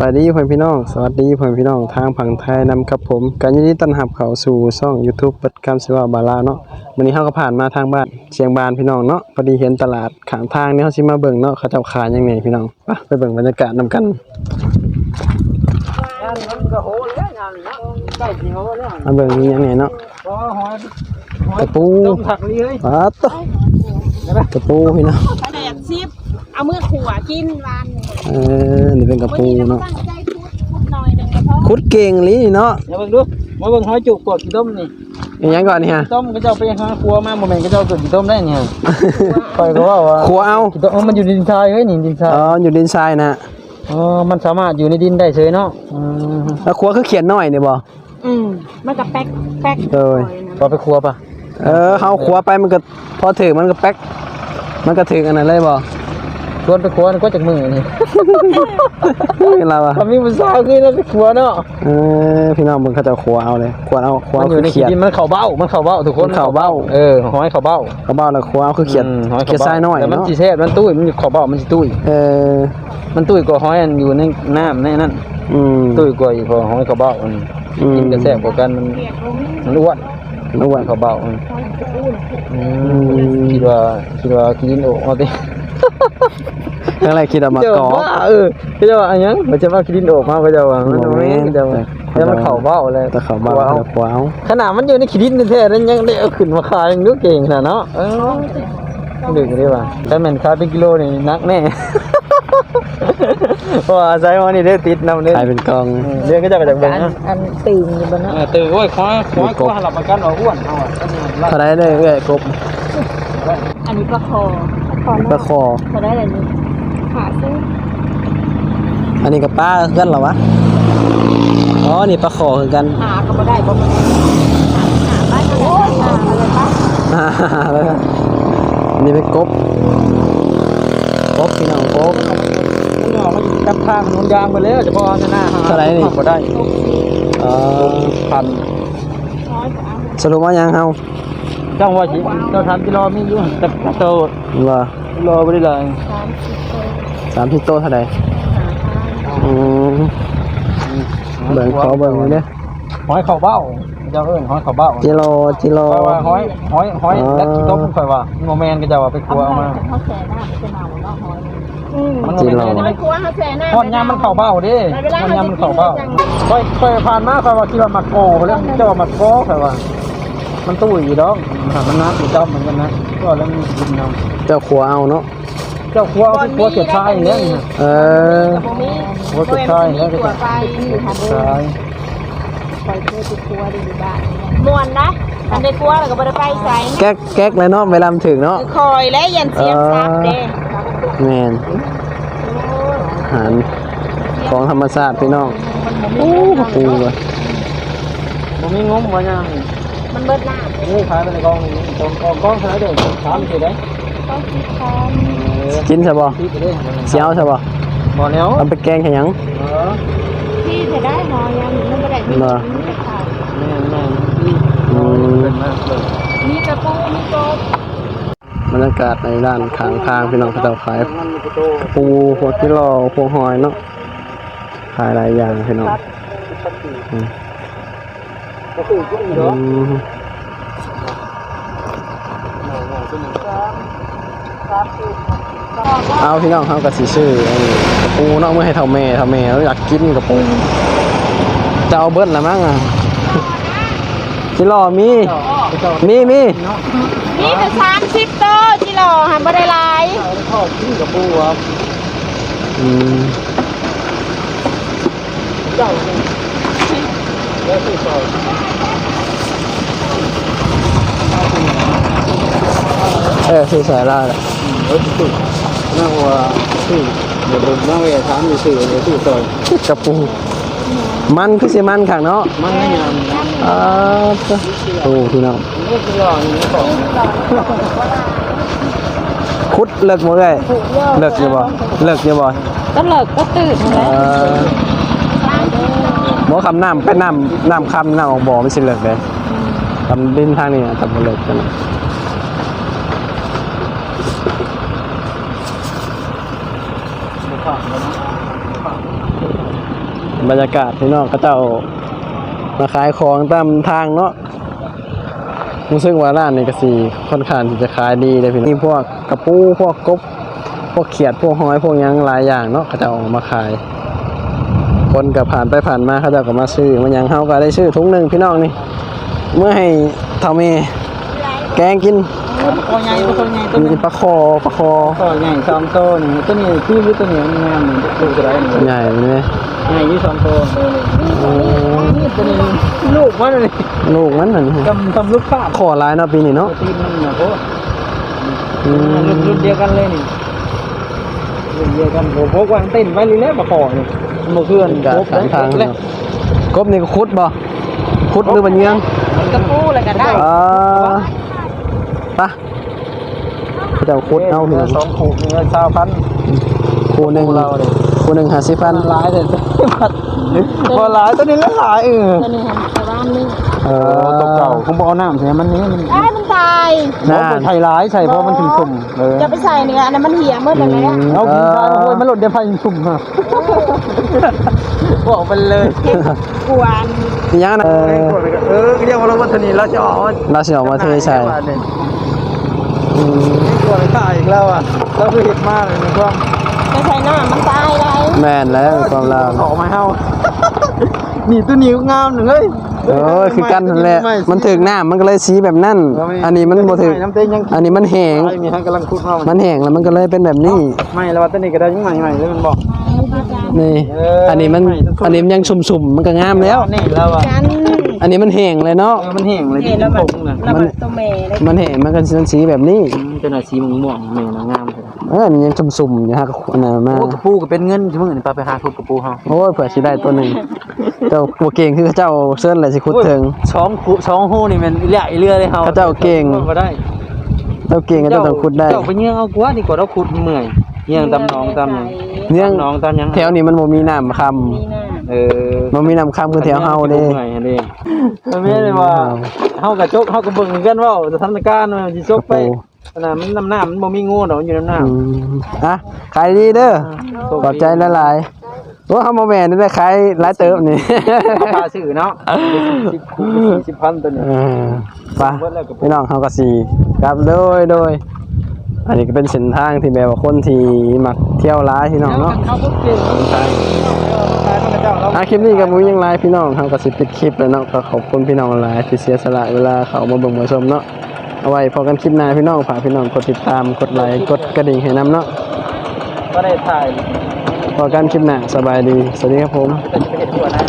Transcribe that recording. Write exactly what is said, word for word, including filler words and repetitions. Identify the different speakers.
Speaker 1: วัสดีเพื่อนพี่น้องสวัสดีเพื่อนพี่น้องทางฝั่งไทยนำครับผมการยินดีต้อนรับเข้าสู่ช่อง YouTube เปิดคำสิว่าบาลาเนาะวันนี้เฮาก็ผ่านมาทางบ้านเชียงบานพี่น้องเนาะพอดีเห็นตลาดข้างทางนี่เฮาสิมาเบิ่งเนาะเขาเจ้าขายยังไงพี่น้องไปไปเบิ่งบรรยากาศนำกันมาเบิ่งมียังไงเนาะกระปูปลาตกระปูพี่น้อง
Speaker 2: เอามือขวากินวาน
Speaker 1: เออนี่เป็นกระปูเนาะคุดเก่งลีนี่เนาะ
Speaker 3: อย่าเบิ่งดูมาเบิ่งหอยจุกกดกี่ต้มนี่
Speaker 1: อีหยังก่อนนี่ฮะ
Speaker 3: ต้มก็เจ้าไปหาครัวมาบ่แม่นก็เจ้ากดกี่ต้มได้นี่ฮะคอยก็ว่าว่า
Speaker 1: ครัวเอา
Speaker 3: กี่ต้มมันอยู่ในดินทรายเฮ้ยนี่ดินทราย
Speaker 1: อ๋ออยู่ดินทรายนะ
Speaker 3: อ๋อมันสามารถอยู่ในดินได้เฉยเนาะอื
Speaker 1: มแล้วครัวคือเขียนน้อยนี่บ่
Speaker 2: อืมมันก็แป๊กแป๊ก
Speaker 1: เอ้ย
Speaker 3: พอไปครัวป่ะ
Speaker 1: เออเฮาครัวไปมันก็พอถึงมันก็แป๊กมันก็ถึงอันนั้นเลยบ่
Speaker 3: ชวนไปครัวก็จากมือนี่
Speaker 1: เป็นไรวะ
Speaker 3: มีผู้สาวคือแล้วไปครัวเนาะ
Speaker 1: เออพี่น้องมึงเขาจะครัวเอาเลยครัวเอาครัว
Speaker 3: คือเขียดมันเข่าเบ้ามันเข่าเบ้าทุกคน
Speaker 1: เข่าเบ้า
Speaker 3: เออหอยเข่าเบ้า
Speaker 1: เข่าเบ้าแล้วครัวเอาคือเขียดเขียดทรายน้อย
Speaker 3: แต่มันจีเซ่มันตุ้ยมันเข่าเบ้ามันจีตุ้ย
Speaker 1: เออ
Speaker 3: มันตุ้ยกว่าหอยอยู่ในน้ำในนั้นตุ้ยกว่าอีกพอหอยเข่าเบ้ามันกินกระแสกว่ากันมันมันอ้วน
Speaker 1: มันอ้วน
Speaker 3: เข่าเบ้าคิดว่าคิดว่ากินโอ้เอาดิ
Speaker 1: อะไรคิดออกมาก่อ
Speaker 3: เออก็จะว่าอันยังมันจะว่ากินโอกมาก็จะว่ามันไม่จะว่าจะมันเข่าเบ้าเลย
Speaker 1: แต่เข่าเบ้าแล้วขวาว
Speaker 3: ขนาดมันอยู่ในขีดินแท้ๆนั้นยังได้เอาขึ้นมาขายยังนึกเก่งขนาดเนาะเออดึกได้ป่ะถ้ามันขายเป็นกิโลนี่นักแน่ว่าใช้วันนี้ได้ติดนำเด้
Speaker 1: ขายเป็นกอง
Speaker 3: เรื่องก็จะกระจับเบิ่ง
Speaker 2: อันตื่นอยู่บนนั้น
Speaker 3: ตื่นโอ้ยคว้าคว้าคว้าหลับประกันเอาอ้วนเอาอ่ะ
Speaker 1: เท่าไรได้เอ้ยกบ
Speaker 2: อันนี้ปลาคอ
Speaker 1: ปลาคอ
Speaker 2: เขาได้อะไรนี่ขาซึ่ง
Speaker 1: อันนี้กับป้าเพื่อนเหรอวะอ๋อนี่ปลาคอคือกัน
Speaker 2: หาก็ไม่ได้บ่มันหาบ้านโอ้ยหาอะไรปะ
Speaker 1: หาแล้วอันนี้เป็นกบกบพี่น้องกบ
Speaker 3: มันออกมาอยู่กับทางมันยางไปแล้วจะพอจะหน้าหา
Speaker 1: เท่าไรนี่
Speaker 3: ก็ได้
Speaker 1: เออ
Speaker 3: พัน
Speaker 1: สรุปว่ายังเฮา
Speaker 3: จังว่าสิเราทำกิโลมีอยู่แต่โต
Speaker 1: ว่า
Speaker 3: กิโลไม่ได้เลย
Speaker 1: สามสิบโตเท่าไหร่อืมเบิ่งขอเบิ่งเลยเนี่ย
Speaker 3: หอยเข่าเบ้าเจ้าเอิ้นหอยเข่าเบ้า
Speaker 1: จิโลจิโล
Speaker 3: หอยหอยหอยแล้วต้มค่อยว่าโมเมนต์ก็จะว่าไปครัวเอามา
Speaker 2: เขาแช่หน้าไปเมาเนาะหอย
Speaker 3: มันจิโล
Speaker 2: มันครัวเขาแช่หน้า
Speaker 3: ทอดยำมันเข่าเบ้าดิทอดยำมันเข่าเบ้าค่อยค่อยผ่านมาค่อยว่าคิดว่ามักโก้แล้วเจ้าว่ามักโก้ค่อยว่ามันตู้อยู่ดอกมันน้ำอยู่ดอกเหมือนกันนะก็แล้วมันกินเอา
Speaker 1: เจ้าขัวเอาเนาะ
Speaker 3: เจ้าขัวคือขัวเก็บชายอย่างเงี้ย
Speaker 1: เออ
Speaker 3: ขัวเก็บชายอย่างเงี้ยก็จะ
Speaker 2: ชายไปเพื่อติดขัวดีบ้านมวนนะอันในขัวแล้วก็บ่ได้ไปใส่
Speaker 1: แก๊กแก๊กเลยเนาะเวลาถึงเนาะ
Speaker 2: คอยและยันเสียงซับเด้
Speaker 1: แม่นอาหารของธรรมชาติพี่น้องโอ้ปูว่ะ
Speaker 3: บ่มีงมว่ายัง
Speaker 2: มันเบิดหน้า
Speaker 3: นี่ขายไปในกองกองกองกองขายได้ถามสิได้
Speaker 2: ต้องคิดพร้อม
Speaker 1: กินใช่ป่ะเสียวใช่ป่ะ
Speaker 3: บ่แล้ว
Speaker 1: ทำไปแกงแค่ยัง
Speaker 2: ที่จะได้หอยังมันไม่ได้มี
Speaker 3: แม่แม่
Speaker 2: มีกระปูมีกบบ
Speaker 1: รรยากาศในด้านข้างทางพี่น้องเขาจะขายปูพวกที่รอพวกหอยเนาะขายหลายอย่างพี่น้องเอาพี่น้องเขากับสีชื่อกระปูเนาะเมื่อให้เท่าแม่เท่าแม่เราอยากกินกระปูจะเอาเบิ้ลละมั้งอ่ะจิโร่มีมีมี
Speaker 2: มีแต่สามสิบโตจิโร่หันบ่ได้หลาย
Speaker 3: ชอบกินกระปูครับ
Speaker 1: อืม
Speaker 3: เจ้าแล้วที่ซอย
Speaker 1: เออคือสายล่าแหละ
Speaker 3: เออที่น่าว่าที่เดี๋ยวผมน่าว่าถามอยู่สื่อเลยที่ซอย
Speaker 1: กระปูมันคือสิมันขังเนาะ
Speaker 3: มันไม่ยาม
Speaker 1: อ่าโอ้พี่น้องคุดเลิกหมดเลยเลิกยังบ่เลิกยังบ่
Speaker 2: ก็เลิกก็ตื่นแล้ว
Speaker 1: บ่คำน้ำเป็นน้ำน้ำคำน้ำออกบ่ไม่ใช่เลิกเลยคำดินทางนี้ทำเลิกกันบรรยากาศพี่น้องเขาเจ้ามาขายของตามทางเนาะรู้สึกว่าร้านนี้ก็สิค่อนข้างที่จะขายดีเลยพี่น้องนี่พวกกระปูพวกกบพวกเขียดพวกหอยพวกหยังหลายอย่างเนาะเขาเจ้าเอามาขายคนก็ผ่านไปผ่านมาเขาเจ้าก็มาซื้อมันหยังเฮาก็ได้ซื้อถุงหนึงพี่น้องนี่เมื่อให้เฒ่าแม่แกงกิน
Speaker 3: ตัวใหญ่ตัวใหญ่ตัว
Speaker 1: มีปลาคอปลาคอ
Speaker 3: ตัวใหญ่สองตัวนี่ตัวนี้ที่รู้ตัวนี้มันงามเหมือนตัวกระไรนี่
Speaker 1: ใหญ่ไหม
Speaker 3: ใหญ่ยี่สองตัว
Speaker 1: โอ้
Speaker 3: นี่ตัวนี้ลูกมันเลย
Speaker 1: ลูกมันนั่น
Speaker 3: กำกำลูกข้า
Speaker 1: ขอลายเนาะปีนี้เนาะ
Speaker 3: ตีนมันเนี่ยโอ้
Speaker 1: อืม
Speaker 3: รุ่นรุ่นเดียวกันเลยนี่รุ่นเดียวกันโอ้พกวางเต้นไว้เลยแล้วมาขอนี่มาเคลื่อน
Speaker 1: กะทางทาง
Speaker 3: เลย
Speaker 1: กบนี่ก็คุดบ่คุดหรือบันเยือง
Speaker 2: มันกระปูอะไรกันได้
Speaker 1: อ่าปะเจ้าคุดเอาพี่น้อง
Speaker 3: สองขู่เงินสาวพัน
Speaker 1: คู่หนึ่ง
Speaker 3: เราเลย
Speaker 1: คู่หนึ่งห้าสิบพัน
Speaker 3: หลายเลยพอหลายตัวนี้แล้วหลายเออ
Speaker 2: ตัวนี้หันไปบ้านนึง
Speaker 1: เอ
Speaker 3: เออตกเก่าคงบอกเอาน้ำใส่มันนี้มัน
Speaker 2: ไอ้มันตาย
Speaker 3: น้ำใส่ร้ายใส่เพราะมันถึงสุ่มเออ
Speaker 2: จะไปใส่เนี่ยอันนั้นมันเหี่ยเมื่อไหร่แล้ว
Speaker 3: เอากินทานโอ้ยมันหล่นเดี๋ยวไฟสุ่มฮะบอกไปเลย
Speaker 2: กวน
Speaker 1: มียังนะเออ
Speaker 3: เออเรียกว่าเราวัฒนีเราจะออก
Speaker 1: เราสิออกมาเทใส่อืม
Speaker 3: กลัวตายอีกแล้วอ่ะเราคือเห็ดมากเลยมันก็
Speaker 2: จะใส่น้ำมันตายได้
Speaker 1: แม่นแล้วความลาว
Speaker 3: ออกมาเฮานี่ตัวนิ้วงามหนึ่งเลย
Speaker 1: เออคือกันนั่นแหละมันถึกน้ำมันก็เลยสีแบบนั้นอันนี้มันบ่ถึกอันนี้มันแห้ง
Speaker 3: มีทั้งกำลังคุดมา
Speaker 1: มันแห้งแล้วมันก็เลยเป็นแบบนี้
Speaker 3: ไม่แล้วว่าตัวนี้ก็ได้ยังใหม่ใหม่เลยมันบอก
Speaker 1: นี่ อันนี้มัน อันนี้มันยังชุ่มๆ มันก็งามแล้ว
Speaker 3: นี่แล้วอ่ะ
Speaker 2: กัน
Speaker 1: อันนี้มันแห้งเลยเนาะ
Speaker 3: เออมันแห้งเลยที่
Speaker 2: แล้ว
Speaker 3: ผ
Speaker 2: มัน
Speaker 3: มนะ
Speaker 2: แล้วมันตัวเมย์เลย
Speaker 1: มันแห้งมันก็เป็นสีแบบนี้
Speaker 3: เป็นอะไรสีม่วงๆแม่นะงามเลย
Speaker 1: เอออันนี้ยังชุ่มๆอยู่ฮะอันนั้นมา
Speaker 3: โอ้กระปูก็เป็นเงินใช่ไหมนี่ปลาไปหาคุดกระปูเฮา
Speaker 1: โอ้ยเผื่อสิได้ตัวหนึงเจ้าตัวเก่งคือเจ้าเซิร์นอะไรสิคุดถึง
Speaker 3: ช้องคุช้องหูนี่มันเละเรือเลยเฮา
Speaker 1: เขาเจ้าเก่ง
Speaker 3: ก็ได้
Speaker 1: เจ้าเก่งก็เจ้าต้องคุดได้
Speaker 3: เจ้าไปเงี้ยเอากว่าดีกว่าเราขุดเมื่อยเงี้ยตำน้องตำหยัง
Speaker 1: เนื่อง
Speaker 3: ตำน้องตำหยัง
Speaker 1: แถวนี้มันบ่มีน้ำค
Speaker 2: มีหน้า
Speaker 3: เออ
Speaker 1: ำมันมีน้ำคำคือแถวเฮาเด้
Speaker 3: เมื่อยเด้มันไม่ได้ว่าเฮากะจกเฮากะเบิ่งกันว่าสถานการณ์มันสิจกไปขนาดมันน้ำหน้ามันบ่มีงูดอกมันอยู่น้ำหน้า
Speaker 1: อืมอ่ะขายดีเด้อขอบใจหลายๆโอ้เฮาบ่แม่นได้ขายหลายเติบนี่
Speaker 3: พาซื้อเนาะสิบคูณสิบพันตัวนี้
Speaker 1: เออไปพี่น้องเขาก็สีกลับโดยโดย อันนี้ก็เป็นเส้นทางที่แบบว่าคนที่มักเที่ยวร้ายพี่น้องเนาะ
Speaker 3: เขาพูดเก่งใช่ใช่พระเจ้าเรา
Speaker 1: อ่ะคลิปนี้ก็บ่มีหยังหลายพี่น้องเขาก็สิปิดคลิปแล้วเนาะก็ขอบคุณพี่น้องหลายที่เสียสละเวลาเขามาเบิ่งมาชมเนาะเอาไว้พอกันคลิปหน้าพี่น้องฝากพี่น้องกดติดตามกดไลค์กดกระดิ่งให้นำเนาะ
Speaker 3: ก็ได้ถ่าย
Speaker 1: พอกันคลิปหน้าสบายดีสวัสดีครับผม
Speaker 3: เป็นเหตุผลนะ